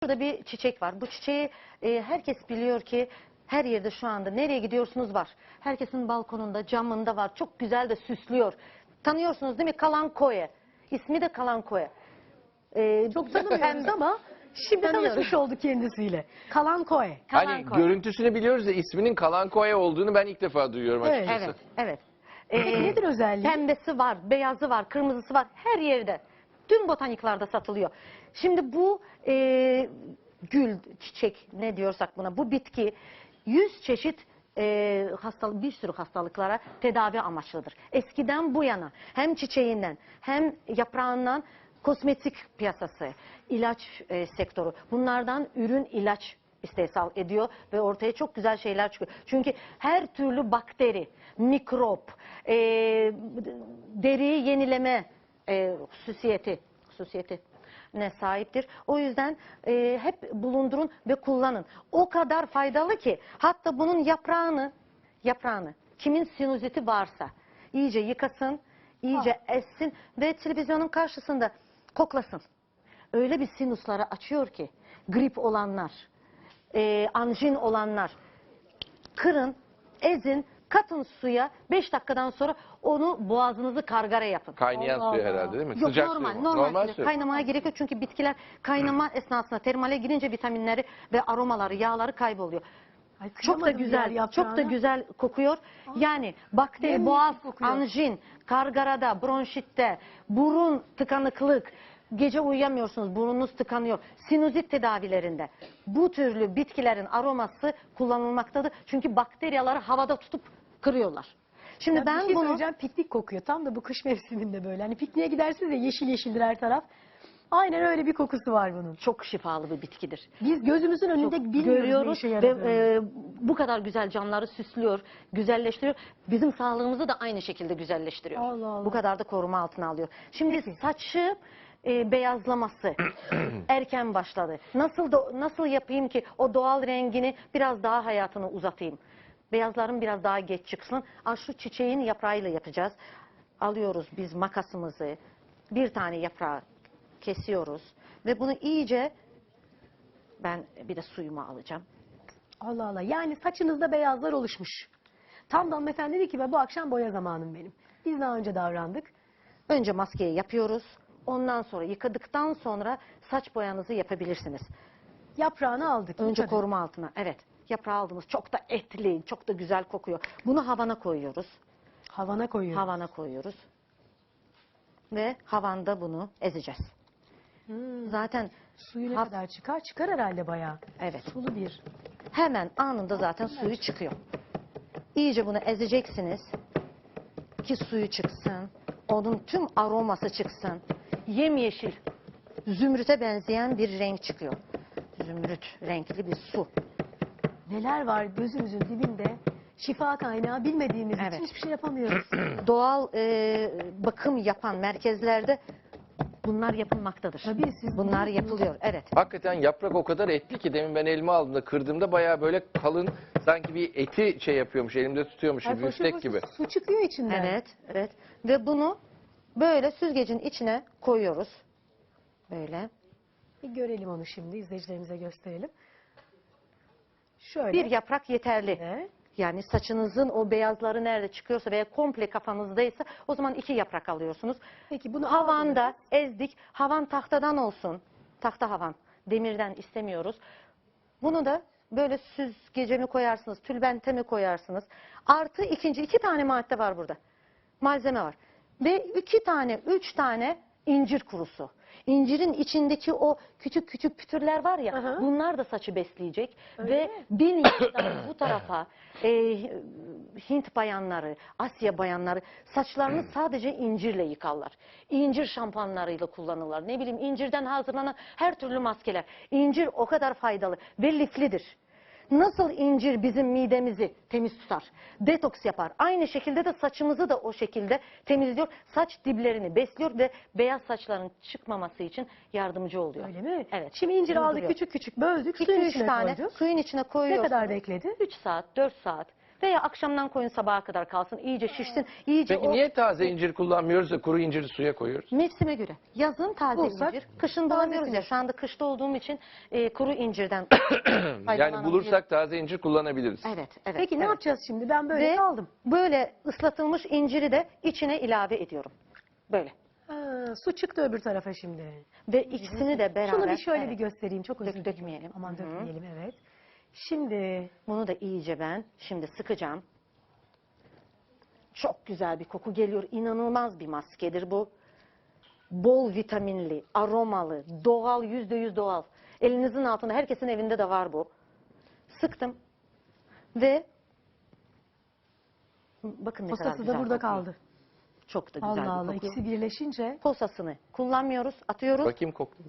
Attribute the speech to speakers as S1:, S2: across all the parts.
S1: Burada bir çiçek var. Bu çiçeği herkes biliyor ki her yerde şu anda nereye gidiyorsunuz var. Herkesin balkonunda, camında var. Çok güzel de süslüyor. Tanıyorsunuz değil mi? Kalankoe. İsmi de Kalankoe.
S2: Çok tanımıyoruz ama şimdi
S1: Tanıyoruz.
S2: tanışmış olduk kendisiyle. Kalankoe.
S3: Hani
S1: Kalankoe.
S3: görüntüsünü biliyoruz da isminin Kalankoe olduğunu ben ilk defa duyuyorum
S2: Evet.
S3: açıkçası.
S1: Evet.
S2: Peki nedir özelliği?
S1: Pembesi var, beyazı var, kırmızısı var. Her yerde. Tüm botaniklarda satılıyor. Şimdi bu gül, çiçek ne diyorsak buna, bu bitki 100 çeşit bir sürü hastalıklara tedavi amaçlıdır. Eskiden bu yana hem çiçeğinden hem yaprağından kosmetik piyasası, ilaç sektörü, bunlardan ürün ilaç istehsal ediyor ve ortaya çok güzel şeyler çıkıyor. Çünkü her türlü bakteri, mikrop, deriyi yenileme hususiyeti ne sahiptir. O yüzden hep bulundurun ve kullanın. O kadar faydalı ki hatta bunun yaprağını kimin sinüziti varsa iyice yıkasın, iyice essin ve televizyonun karşısında koklasın. Öyle bir sinusları açıyor ki grip olanlar, anjin olanlar kırın, ezin, katın suya 5 dakikadan sonra onu boğazınızı gargara yapın.
S3: Kaynayan
S2: Allah
S3: suyu
S2: Allah.
S3: herhalde değil mi?
S1: Yok,
S3: Sıcak
S1: normal,
S3: suyu mu?
S1: normal
S3: suyu.
S1: suyu. Kaynamaya gerek yok çünkü bitkiler kaynama esnasında termale girince vitaminleri ve aromaları, yağları kayboluyor.
S2: Ay,
S1: Çok da
S2: kıyamadım
S1: güzel,
S2: diğer
S1: çok da
S2: yaprağına.
S1: güzel kokuyor. Yani bakteri,
S2: Yemyeşil
S1: boğaz,
S2: kokuyor.
S1: anjin, gargarada, bronşitte, burun tıkanıklık, gece uyuyamıyorsunuz, burnunuz tıkanıyor. Sinüzit tedavilerinde bu türlü bitkilerin aroması kullanılmaktadır. Çünkü bakteriyaları havada tutup kırıyorlar. Şimdi
S2: Ya bir
S1: ben
S2: şey
S1: bunu
S2: söyleyeceğim, piknik kokuyor. Tam da bu kış mevsiminde böyle. Hani pikniğe gidersiniz ya, yeşil yeşildir her taraf. Aynen öyle bir kokusu var bunun.
S1: çok şifalı bir bitkidir.
S2: Biz gözümüzün önünde
S1: Çok
S2: bilmiyoruz ne
S1: görüyoruz
S2: işe
S1: ve
S2: yaradığını.
S1: bu kadar güzel canları süslüyor, güzelleştiriyor. Bizim sağlığımızı da aynı şekilde güzelleştiriyor.
S2: Allah Allah.
S1: Bu kadar da koruma altına alıyor. Şimdi
S2: Peki.
S1: saçı beyazlaması erken başladı. Nasıl yapayım ki o doğal rengini biraz daha hayatını uzatayım? Beyazların biraz daha geç çıksın. Şu çiçeğin yaprağıyla yapacağız. Alıyoruz biz makasımızı, bir tane yaprağı kesiyoruz ve bunu iyice, ben bir de suyumu alacağım.
S2: Allah Allah. Yani saçınızda beyazlar oluşmuş. Tam da hanımefendi dedi ki bu akşam boya zamanım benim. Biz daha önce davrandık.
S1: Önce maskeyi yapıyoruz. Ondan sonra yıkadıktan sonra saç boyanızı yapabilirsiniz.
S2: Yaprağını aldık.
S1: Önce
S2: yıkadık.
S1: koruma altına. Evet. Yaprağı aldınız. Çok da etli, çok da güzel kokuyor. Bunu havana koyuyoruz.
S2: Havana koyuyoruz.
S1: Havana koyuyoruz. Ve havanda bunu ezeceğiz. Zaten
S2: Suyu ne
S1: Haf-
S2: kadar çıkar? Çıkar herhalde bayağı.
S1: evet.
S2: Sulu bir.
S1: Hemen anında zaten suyu çıkıyor. İyice bunu ezeceksiniz ki suyu çıksın. Onun tüm aroması çıksın. Yemyeşil, zümrüte benzeyen bir renk çıkıyor. Zümrüt renkli bir su.
S2: Neler var gözümüzün dibinde. Şifa kaynağı bilmediğimiz
S1: Evet.
S2: için hiçbir şey yapamıyoruz.
S1: Doğal bakım yapan merkezlerde bunlar yapılmaktadır.
S2: Tabii, siz
S1: Bunlar
S2: biliyorsunuz.
S1: yapılıyor. Evet.
S3: Hakikaten yaprak o kadar etli ki demin ben elime aldığımda kırdığımda bayağı böyle kalın, sanki bir eti şey yapıyormuş, elimde tutuyormuş
S2: Ay,
S3: gibi,
S2: foşur
S3: biftek
S2: foşur
S3: gibi.
S2: Su çıkıyor içinden.
S1: Evet, evet. Ve bunu böyle süzgecin içine koyuyoruz. Böyle.
S2: Bir görelim onu şimdi, izleyicilerimize gösterelim. Şöyle.
S1: Bir yaprak yeterli.
S2: Evet.
S1: Yani saçınızın o beyazları nerede çıkıyorsa veya komple kafanızdaysa o zaman 2 yaprak alıyorsunuz.
S2: Peki bunu
S1: Havanda
S2: aldınız.
S1: ezdik. Havan tahtadan olsun. Tahta havan. Demirden istemiyoruz. Bunu da böyle süzgece mi koyarsınız, tülbente mi koyarsınız? Artı iki tane madde var burada. Malzeme var. Ve 2 tane, 3 tane incir kurusu. İncirin içindeki o küçük küçük pütürler var ya,
S2: Aha.
S1: bunlar da saçı besleyecek.
S2: Öyle
S1: Ve
S2: mi?
S1: 1000 yaştan bu tarafa Hint bayanları, Asya bayanları saçlarını sadece incirle yıkarlar. İncir şampuanlarıyla kullanırlar. Ne bileyim, incirden hazırlanan her türlü maskeler. İncir o kadar faydalı ve liflidir. Nasıl incir bizim midemizi temiz tutar, detoks yapar. Aynı şekilde de saçımızı da o şekilde temizliyor. Saç diplerini besliyor ve beyaz saçların çıkmaması için yardımcı oluyor.
S2: Öyle mi?
S1: Evet.
S2: Şimdi incir aldık,
S1: Durduruyor.
S2: küçük küçük böldük,
S1: 2-3
S2: suyun içine
S1: tane
S2: koyduk.
S1: suyun içine
S2: Ne
S1: koyuyorsunuz.
S2: kadar bekledi?
S1: 3 saat, 4 saat. Veya akşamdan koyun sabaha kadar kalsın. İyice şişsin. İyice
S3: Peki niye taze incir kullanmıyoruz da kuru inciri suya koyuyoruz?
S1: Mevsime göre. Yazın taze
S2: Bulsak,
S1: incir. Kışın bulamıyoruz ya. Şu anda kışta olduğum için kuru incirden
S3: Yani
S1: faydalanabiliriz.
S3: bulursak taze incir kullanabiliriz.
S1: Evet, evet.
S2: Peki ne
S1: evet.
S2: yapacağız şimdi? Ben böyle
S1: Ve
S2: kaldım.
S1: böyle ıslatılmış inciri de içine ilave ediyorum. Böyle.
S2: Su çıktı öbür tarafa şimdi.
S1: Ve ikisini de beraber...
S2: Şunu bir şöyle
S1: evet,
S2: bir göstereyim. Çok özür dilerim.
S1: dökmeyelim.
S2: Aman
S1: Hı hı.
S2: dökmeyelim, evet. Şimdi
S1: Bunu da iyice ben şimdi sıkacağım. Çok güzel bir koku geliyor. İnanılmaz bir maskedir bu. Bol vitaminli, aromalı, doğal, %100 doğal. Elinizin altında, herkesin evinde de var bu. Sıktım. Ve bakın ne kadar
S2: posası
S1: güzel
S2: da burada
S1: kokuyor.
S2: kaldı.
S1: Çok da güzel
S2: Allah
S1: bir
S2: Allah,
S1: koku.
S2: ikisi birleşince.
S1: Posasını kullanmıyoruz, atıyoruz.
S3: Bakayım koktu.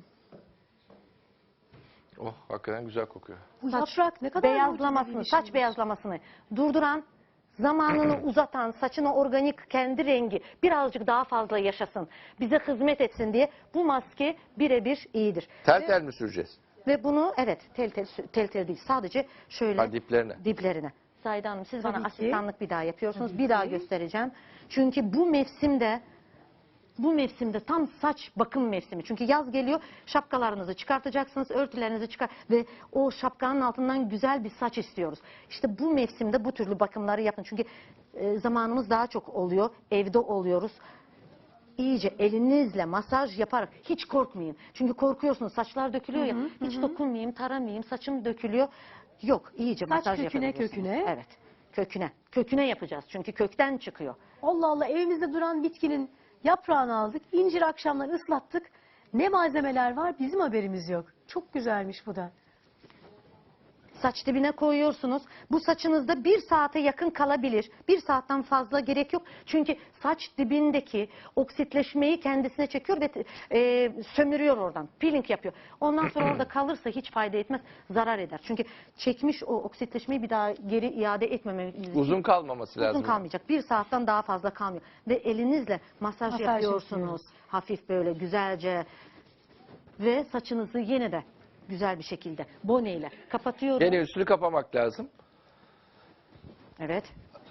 S3: Oh, hakikaten güzel kokuyor.
S2: Bu
S1: Saç
S2: yaprak ne kadar
S1: beyazlamasını,
S2: mucizevi bir
S1: saç
S2: şeymiş.
S1: beyazlamasını durduran, zamanını uzatan, saçına organik kendi rengi birazcık daha fazla yaşasın, bize hizmet etsin diye bu maske birebir iyidir.
S3: Tel tel mi süreceğiz?
S1: Ve bunu evet tel tel değil, sadece şöyle
S3: Ha, diplerine.
S1: diplerine. Zahide Hanım, siz bana
S2: Tabii ki.
S1: asistanlık bir daha yapıyorsunuz.
S2: Tabii
S1: Bir daha
S2: ki.
S1: göstereceğim. Çünkü bu mevsimde tam saç bakım mevsimi. Çünkü yaz geliyor, şapkalarınızı çıkartacaksınız, örtülerinizi çıkar ve o şapkanın altından güzel bir saç istiyoruz. İşte bu mevsimde bu türlü bakımları yapın. Çünkü zamanımız daha çok oluyor, evde oluyoruz. İyice elinizle masaj yaparak, hiç korkmayın. Çünkü korkuyorsunuz, saçlar dökülüyor ya, hiç dokunmayayım, taramayayım, saçım dökülüyor. Yok, iyice
S2: Saç
S1: masaj
S2: köküne,
S1: yapabilirsiniz.
S2: köküne.
S1: Evet, köküne. Köküne yapacağız çünkü kökten çıkıyor.
S2: Allah Allah, evimizde duran bitkinin yaprağını aldık. İncir akşamları ıslattık. Ne malzemeler var bizim haberimiz yok. Çok güzelmiş bu da.
S1: Saç dibine koyuyorsunuz. Bu saçınızda 1 saate yakın kalabilir. 1 saatten fazla gerek yok. Çünkü saç dibindeki oksitleşmeyi kendisine çekiyor ve sömürüyor oradan. Peeling yapıyor. Ondan sonra orada kalırsa hiç fayda etmez. Zarar eder. Çünkü çekmiş o oksitleşmeyi bir daha geri iade etmememiz için.
S3: Uzun kalmaması lazım.
S1: Uzun kalmayacak. 1 saatten daha fazla kalmıyor. Ve elinizle masaj
S2: Masaj
S1: yapıyorsunuz.
S2: yapıyoruz.
S1: Hafif böyle güzelce. Ve saçınızı yine de güzel bir şekilde boneyle kapatıyorum.
S3: Gene üstünü kapamak lazım.
S1: Evet.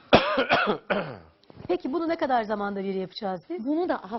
S2: Peki bunu ne kadar zamanda bir yapacağız biz?
S1: Bunu da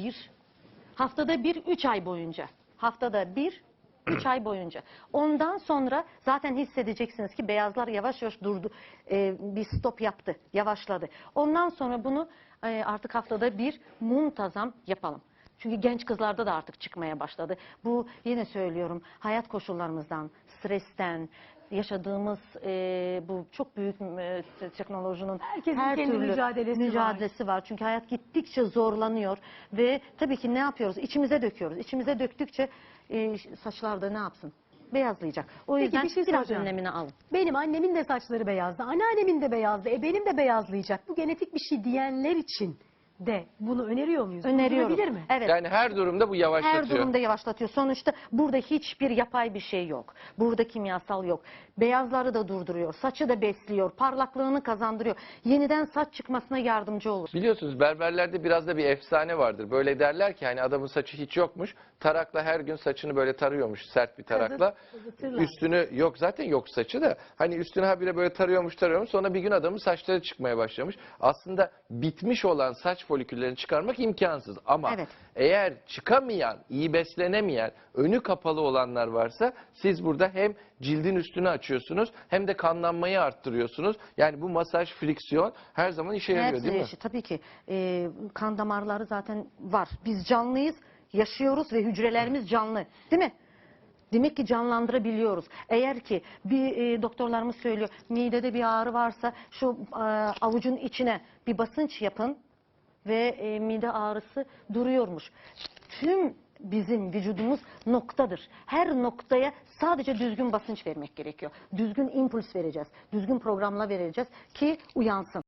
S1: haftada bir 3 ay boyunca. Haftada bir 3 ay boyunca. Ondan sonra zaten hissedeceksiniz ki beyazlar yavaş yavaş durdu. Bir stop yaptı, yavaşladı. Ondan sonra bunu artık haftada bir muntazam yapalım. Çünkü genç kızlarda da artık çıkmaya başladı. Bu yine söylüyorum, hayat koşullarımızdan, stresten, yaşadığımız bu çok büyük teknolojinin
S2: Herkesin
S1: her
S2: kendi
S1: türlü
S2: mücadelesi
S1: var. Çünkü hayat gittikçe zorlanıyor ve tabii ki ne yapıyoruz? İçimize döküyoruz. İçimize döktükçe saçlar da ne yapsın? Beyazlayacak. O
S2: Peki,
S1: yüzden
S2: bir şey
S1: biraz
S2: soracağım.
S1: önlemini alın.
S2: Benim annemin de saçları beyazdı. Anneannemin de beyazdı. Benim de beyazlayacak. Bu genetik bir şey diyenler için de bunu öneriyor muyuz?
S1: Öneriyoruz.
S2: Olabilir mi?
S1: Evet.
S3: Yani her durumda bu yavaşlatıyor.
S1: Her durumda yavaşlatıyor. Sonuçta burada hiçbir yapay bir şey yok. Burada kimyasal yok. Beyazları da durduruyor. Saçı da besliyor. Parlaklığını kazandırıyor. Yeniden saç çıkmasına yardımcı olur.
S3: Biliyorsunuz berberlerde biraz da bir efsane vardır. Böyle derler ki hani adamın saçı hiç yokmuş. Tarakla her gün saçını böyle tarıyormuş sert bir tarakla.
S2: Kazıtırlar.
S3: Üstünü yok zaten yok saçı da. Hani üstünü habire böyle tarıyormuş. Sonra bir gün adamın saçları çıkmaya başlamış. Aslında bitmiş olan saç foliküllerini çıkarmak imkansız. Ama
S1: Evet.
S3: eğer çıkamayan, iyi beslenemeyen, önü kapalı olanlar varsa siz burada hem cildin üstünü açıyorsunuz hem de kanlanmayı arttırıyorsunuz. Yani bu masaj, friksiyon her zaman işe yarıyor
S1: Hepsi
S3: değil mi?
S1: eşit. Tabii ki kan damarları zaten var. Biz canlıyız, yaşıyoruz ve hücrelerimiz canlı. Değil mi? Demek ki canlandırabiliyoruz. Eğer ki bir doktorlarımız söylüyor midede bir ağrı varsa şu avucun içine bir basınç yapın ve mide ağrısı duruyormuş. Tüm bizim vücudumuz noktadır. Her noktaya sadece düzgün basınç vermek gerekiyor. Düzgün impuls vereceğiz. Düzgün programla vereceğiz ki uyansın.